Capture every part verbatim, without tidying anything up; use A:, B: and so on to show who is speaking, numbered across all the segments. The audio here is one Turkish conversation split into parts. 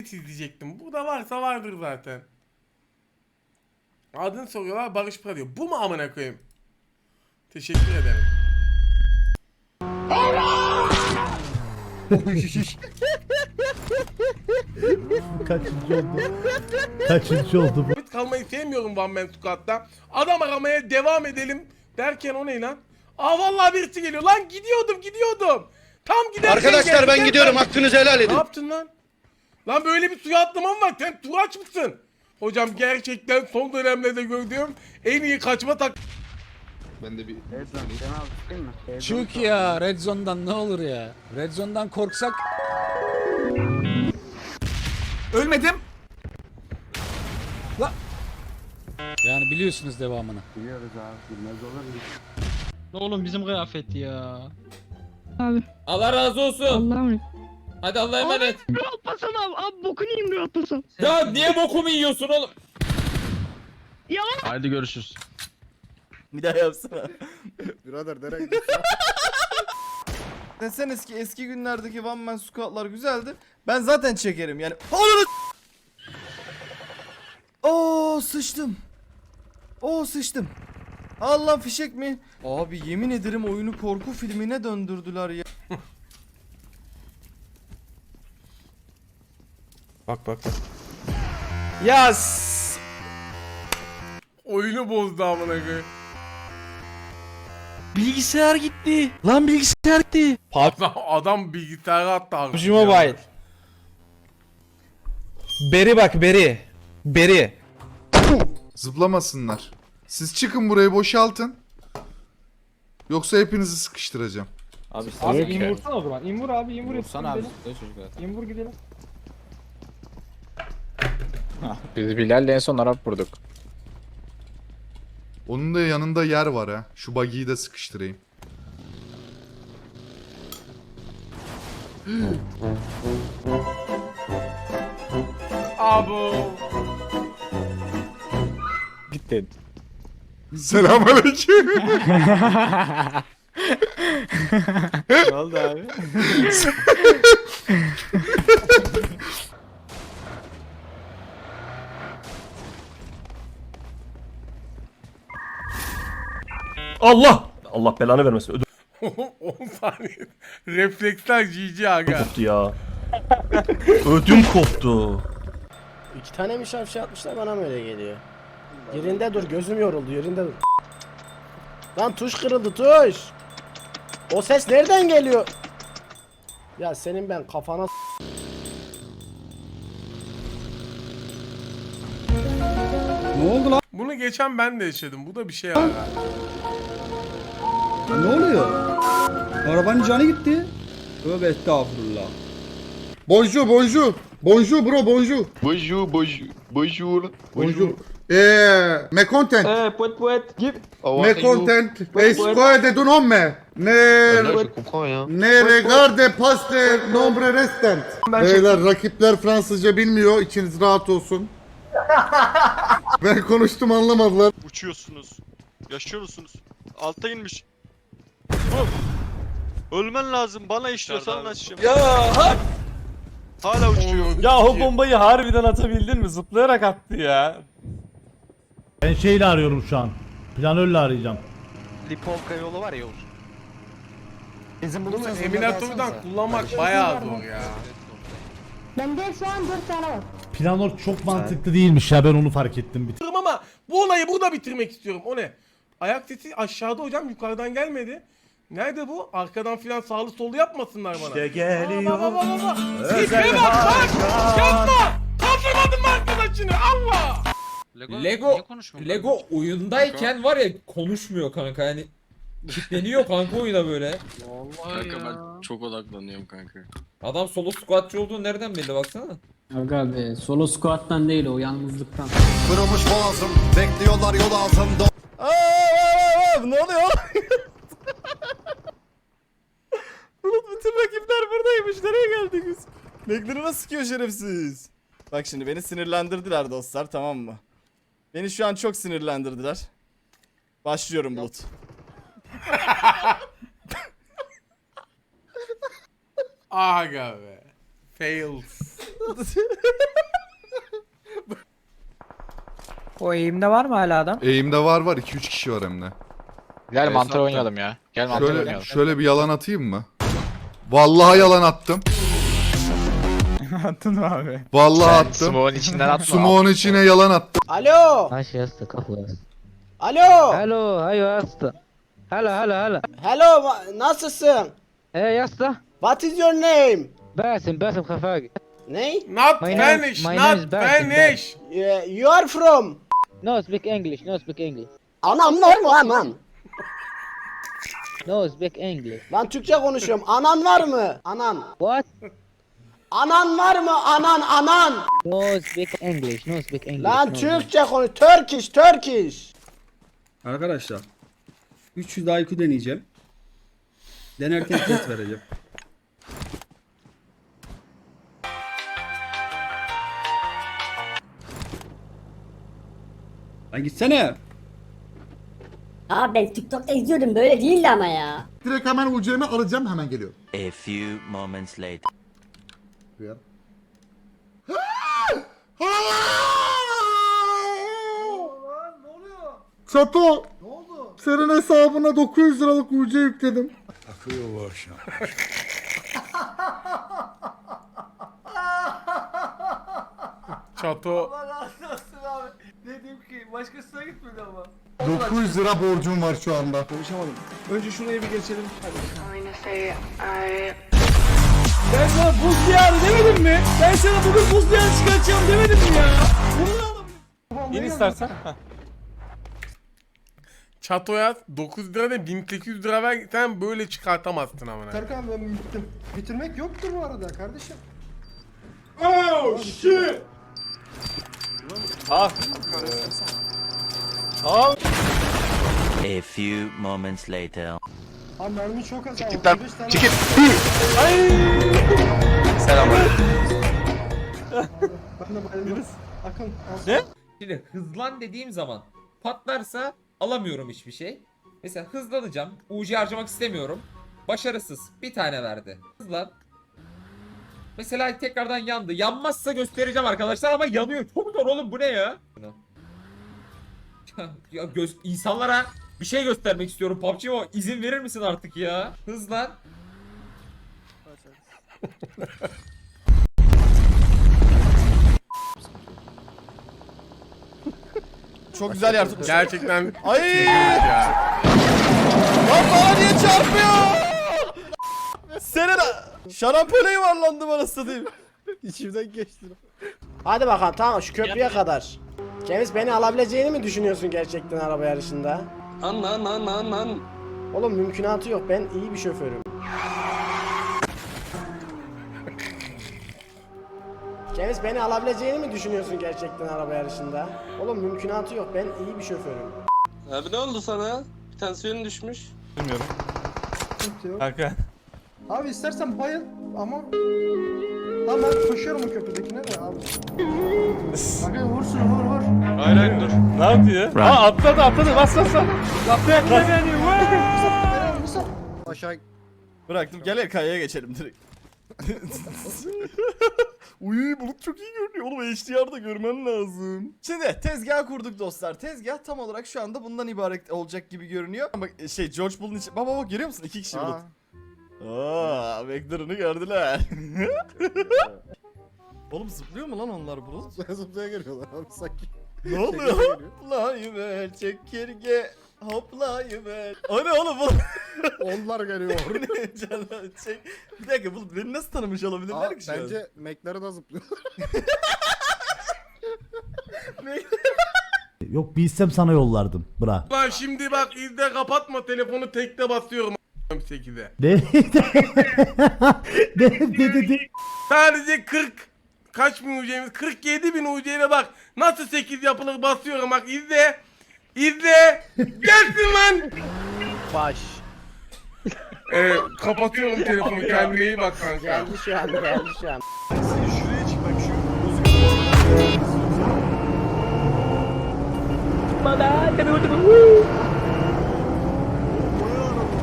A: izleyecektim. Burada varsa vardır zaten. Adını soruyorlar, Barış Pıra diyor. Bu mu amına koyayım? Teşekkür ederim.
B: Kaçıncı oldu? Kaçıncı oldu bu?
A: Sabit kalmayı sevmiyorum One Man Squad'da. Adam aramaya devam edelim derken o ne lan? Aa vallahi birisi geliyor lan, gidiyordum gidiyordum. Tam giderken
C: Arkadaşlar
A: geldi.
C: ben
A: Gel,
C: gidiyorum,
A: ben-
C: hakkınızı helal
A: Ne
C: edin.
A: yaptın lan? Lan böyle bir suya atlamam var. Sen turaç mısın? Hocam gerçekten son dönemlerde gördüğüm en iyi kaçma tak...
C: Ben de bir...
D: Çık ya Red Zone'dan, ne olur ya. Red Zone'dan korksak.
E: Ölmedim.
D: Yani biliyorsunuz devamını.
F: Oğlum bizim kıyafet ya.
G: Abi.
H: Allah razı olsun.
G: Allah'a emanet.
H: Hadi Allah'a emanet.
G: Rahat basan abi. Abi bokunu yiyeyim rahat basan.
H: Ya niye bokumu yiyorsun oğlum?
G: Ya.
F: Haydi görüşürüz.
E: Bir daha yapsana.
I: Birader nereye gidiyorsun? Desene eski eski günlerdeki One Man Squad'lar güzeldi. Ben zaten çekerim yani. Ananı Oo sıçtım. Oo sıçtım. Allah fişek mi? Abi yemin ederim oyunu korku filmine döndürdüler ya.
A: Bak bak bak.
I: Yas.
A: Oyunu bozdu amına koyayım.
E: Bilgisayar gitti. Lan bilgisayar gitti.
A: Adam, adam bilgisayara attı abi.
E: P U B G Mobile. Beri bak beri. Beri.
J: Zıplamasınlar. Siz çıkın, burayı boşaltın. Yoksa hepinizi sıkıştıracağım.
E: Abi
F: Abi in vursana o zaman. İn vur abi, in vur.
D: Vursana abi.
F: İn vur gidelim.
D: Biz Bilal'le en son Arap vurduk.
J: Onun da yanında yer var ha. Şu buggy'yi de sıkıştırayım.
A: Abo.
D: Gittin.
J: Selamünaleyküm.
E: Ne oldu abi?
B: Allah! Allah belanı vermesin. Ödüm
A: on saniye. Refleksler G G aga.
B: koptu ya. Ödüm koptu.
H: İki tane mi şarj atmışlar, bana mı öyle geliyor? Yerinde dur, gözüm yoruldu, yerinde dur. Lan tuş kırıldı, tuş. O ses nereden geliyor? Ya senin ben kafana s-
A: Bunu geçen ben de yaşadım. Bu da bir şey aga.
E: Ne oluyor? Arabanın canı gitti. Tövbe estağfurullah.
J: Bonjour, bonjour. Bonjour bro, bonjour.
C: Bonjour, bonjour, bonjour.
J: Bonjour. Eee, me content.
F: Eh, puet puet. Git.
J: Me content. Escoe de tu nome. Ne
C: Je comprends ya.
J: ne regarde paste nombre restant. Beyler, rakipler Fransızca bilmiyor. İçiniz rahat olsun. Ben konuştum, anlamadılar.
K: Uçuyorsunuz. Yaşıyor musunuz? Altta inmiş. Oh. Ölmen lazım. Bana işliyorsan açacağım.
E: Ya ha.
K: Hala uçuyor.
E: Ya o bombayı harbiden atabildin mi? Zıplayarak attı ya.
B: Ben şeyle arıyorum şu an. Planörle arayacağım.
I: Lipovka yolu var ya Yavuz. Bizim
A: Bunu Eminator'dan kullanmak bayağı zor ya.
G: Bende şu an dört tane var.
B: Planör çok mantıklı değilmiş ya, ben onu fark ettim. Bir
A: Bitirdim ama bu olayı burada bitirmek istiyorum. O ne? Ayak sesi aşağıda hocam, yukarıdan gelmedi. Nerede bu? Arkadan filan sağlı sollu yapmasınlar bana.
B: İşte geliyor.
A: Aa, bak, bak, bak, bak. Tipe bak bak. Yapma. Kaldırmadın mı arkadaşını? Allah.
H: Lego, Lego oyundayken var ya konuşmuyor kanka, yani kilitleniyor kanka oyuna böyle.
K: Kanka ben çok odaklanıyorum kanka.
H: Adam solo squatçı olduğunu nereden bildi baksana.
F: Aga be, solo squat'tan değil o, yalnızlıktan.
C: Kırılmış boğazım, bekliyorlar yol altında.
I: Aa, aa, aa, ne oluyor? Bulut, bütün rakipler buradaymış. Nereye geldik biz? Beklerine sıkıyor şerefsiz. Bak şimdi beni sinirlendirdiler dostlar, tamam mı? Beni şu an çok sinirlendirdiler. Başlıyorum Bulut.
A: Aga be. Fails.
F: O eğimde var mı hala adam?
C: Eğimde var var iki üç kişi var hem de.
K: Gel mantar oynayalım ya. Gel mantar
C: Şöyle,
K: oynayalım.
C: şöyle bir yalan atayım mı? Vallahi yalan attım.
F: Attın mı abi?
C: Vallahi attım.
K: Smoke'un içinden atma.
C: Smoke'un içine yalan attım.
H: Alo.
F: Taş yastık kafası.
H: Alo.
F: Hello, hayo yastık. Hello, hello, hello.
H: Hello, ma- nasılsın?
F: Hey yastık.
H: What is your name?
F: Basim, Basim Khafagi.
H: Ne?
A: Not
F: My name-
A: Spanish,
F: my name is
A: not
F: Berkin,
A: Spanish.
H: Yeah, you are from?
F: No speak English, no speak English.
H: Anam var mı anan?
F: No speak English.
H: Lan Türkçe konuşuyorum. Anan var mı? Anan.
F: What?
H: Anan var mı? Anan, anan.
F: No speak English, no speak English.
H: Lan
F: no.
H: Türkçe konuş. Turkish, Turkish.
E: Arkadaşlar üç yüz I Q deneyeceğim. Denerken test vereceğim. Lan gitsene.
G: Abi ben TikTok'ta izliyordum böyle değildi ama ya.
J: Direkt hemen U C'mi alacağım, hemen geliyorum.
L: A few moments later.
J: Duyar. Çato. Ne oldu? Senin hesabına dokuz yüz liralık U C yükledim.
A: Çato.
J: dokuz yüz lira borcum var şu anda.
D: Ben sana buz diyarı demedim mi? Ben sana bugün buz diyarı çıkartacağım demedim mi ya?
F: İn istersen.
A: Çato'ya dokuz lira da bin sekiz yüz lira ver, sen böyle çıkartamazsın amına.
E: Serkan ben bittim. Bitirmek yoktur bu arada kardeşim.
A: Oh shit.
L: A few moments later.
E: Abi mermi çok az.
K: Git lan. Çekil. Selamünaleyküm.
E: Ben de bayıldım. Akın.
F: Şimdi hızlan dediğim zaman patlarsa alamıyorum hiçbir şey. Mesela hızlanacağım. U C harcamak istemiyorum. Başarısız. Bir tane verdi. Hızlan. Mesela tekrardan yandı. Yanmazsa göstereceğim arkadaşlar ama yanıyor. Çok zor oğlum, bu ne ya? Ya, ya göz insanlara bir şey göstermek istiyorum. P U B G o izin verir misin artık ya? Hızlan.
I: Çok güzel yer tutmuş.
A: Gerçekten
I: Ay!
A: ya.
I: Lan bana niye çarpıyor? Senin şarampole yuvarlandı bana satayım. İçimden geçti.
H: Hadi bakalım, tamam, şu köprüye kadar. Ceviz, beni alabileceğini mi düşünüyorsun gerçekten araba yarışında?
F: An an an an an.
H: Oğlum mümkünatı yok, ben iyi bir şoförüm. Ceviz, beni alabileceğini mi düşünüyorsun gerçekten araba yarışında? Oğlum mümkünatı yok, ben iyi bir şoförüm.
F: Abi ne oldu sana? Tansiyonun düşmüş.
I: Bilmiyorum.
F: Kanka.
E: Abi istersen bayıl ama... Lan ben koşuyorum o köprüdekine de abi. Abi vursun vur vur.
K: Hayır hayır dur.
F: Ne yapıyor? Aa atladı atladı bas bas bas. Atladı beni.
E: Aşağı
I: Bıraktım, gel kayaya geçelim direkt. Uy, bulut çok iyi görünüyor oğlum, H D R'da görmen lazım. Şimdi tezgah kurduk dostlar. Tezgah tam olarak şu anda bundan ibaret olacak gibi görünüyor. Ama şey George Bull'un içi... Baba bak, görüyor musun? İki kişi bulut. Aaa, Vector'ını gördüler. Oğlum zıplıyor mu lan onlar bulut?
J: Zıplaya geliyorlar abi sanki.
I: Ne oluyor? Hoplayıver çekirge, hoplayıver. O ne oğlum bu?
J: Onlar geliyor.
I: Ne canım, çek. Bir dakika, bu beni nasıl tanımış olabilirler ki şu an?
J: McLaren'a zıplıyor.
B: Yok bilsem sana yollardım. Bra.
A: Lan şimdi bak, izle, kapatma telefonu, tekte basıyorum sekize.
B: Ne? ne ne dedi?
A: Sadece kırk kaç bin U C'miz? kırk yedi bin U C'yle bak nasıl sekiz yapılır, basıyorum bak, izle. İzle. Gelsin lan.
H: Baş.
A: Ee, kapatıyorum telefonu, kendine iyi bak kanka.
H: Geldi şu an, geldi şu an.
I: Şuraya çık bak, şu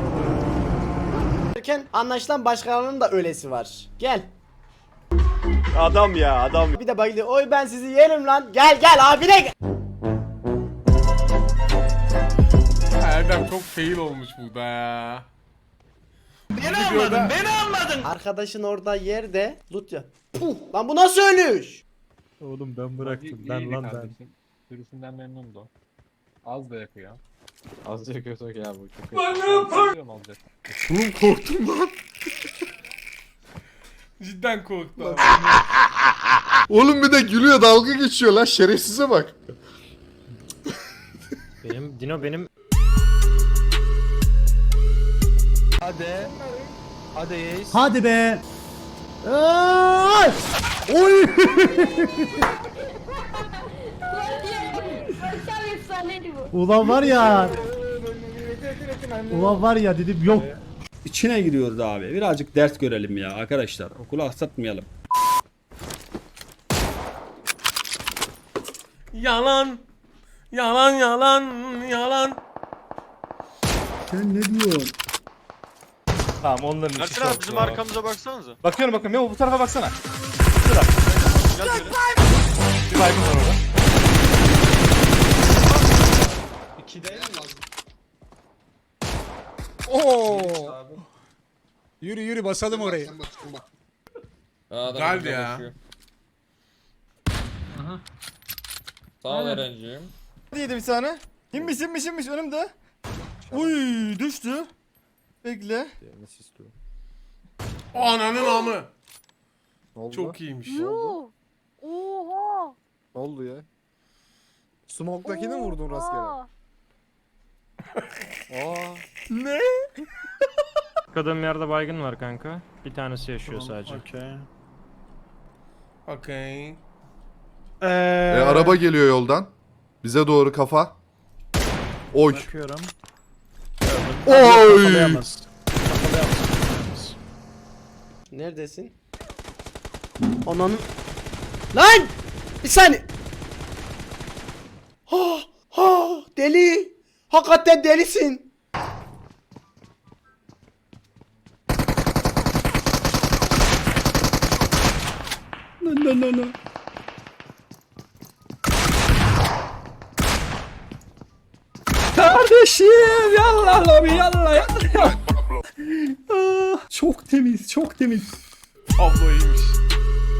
H: Anlaşılan başkalarının da ölesi var. Gel.
I: Adam ya adam.
H: Bir de bayılıyor. Oy ben sizi yerim lan. Gel gel abine gel.
A: Erdem çok fail olmuş burada ya.
H: Beni anladın, beni anladın. Arkadaşın orada yerde loot ya. Puh, lan bu nasıl ölüş?
B: Oğlum ben bıraktım. Ben lan ben.
E: Sürüsünden memnundu. Az da yakıyor. Az da yakıyorsak ya bu. Çok
A: Oğlum korktum lan. Cidden korktum.
C: Oğlum bir de gülüyor, dalga geçiyor lan, şerefsize bak.
B: Benim Dino benim.
E: Hadi. Hadi Yeis.
B: Hadi be. Ay! Oy! Ulan var ya. Ulan var ya dedim yok.
D: İçine giriyoruz abi. Birazcık ders görelim ya arkadaşlar. Okulu aksatmayalım.
A: Yalan. Yalan yalan yalan.
B: Sen ne diyorsun?
I: Tamam onların
K: Ersin abi bizim arkamıza baksanıza.
I: Bakıyorum bakıyorum. Memo bu tarafa baksana. Şurada.
K: Gel geri.
I: Bir baygın var orada.
D: Oo. Yürü yürü basalım orayı.
F: Aa, adam
A: Geldi
F: burada
A: ya.
F: koşuyor. Sağ ol Eren'cim.
I: Yedi bir tane. İnmiş inmiş inmiş önümde. Uy düştü. Bekle.
A: Ananın amı. Çok iyiymiş.
E: Oha.
I: Ne oldu ya? Smoke'dakini mi vurdun rastgele? Aa.
A: Ne?
B: Kadın yerde baygın var kanka. Bir tanesi yaşıyor sadece.
A: Okey.
C: E, araba geliyor yoldan. Bize doğru kafa. Oy.
B: Bakıyorum.
C: Oy.
H: Neredesin? Ananın... Lan! Bir saniye. Ha, ha, deli. Hakikaten delisin. No no no no.
D: Kardeşim yallah lobi yallah yallah. Ah, çok temiz çok temiz.
A: Abla iyiymiş.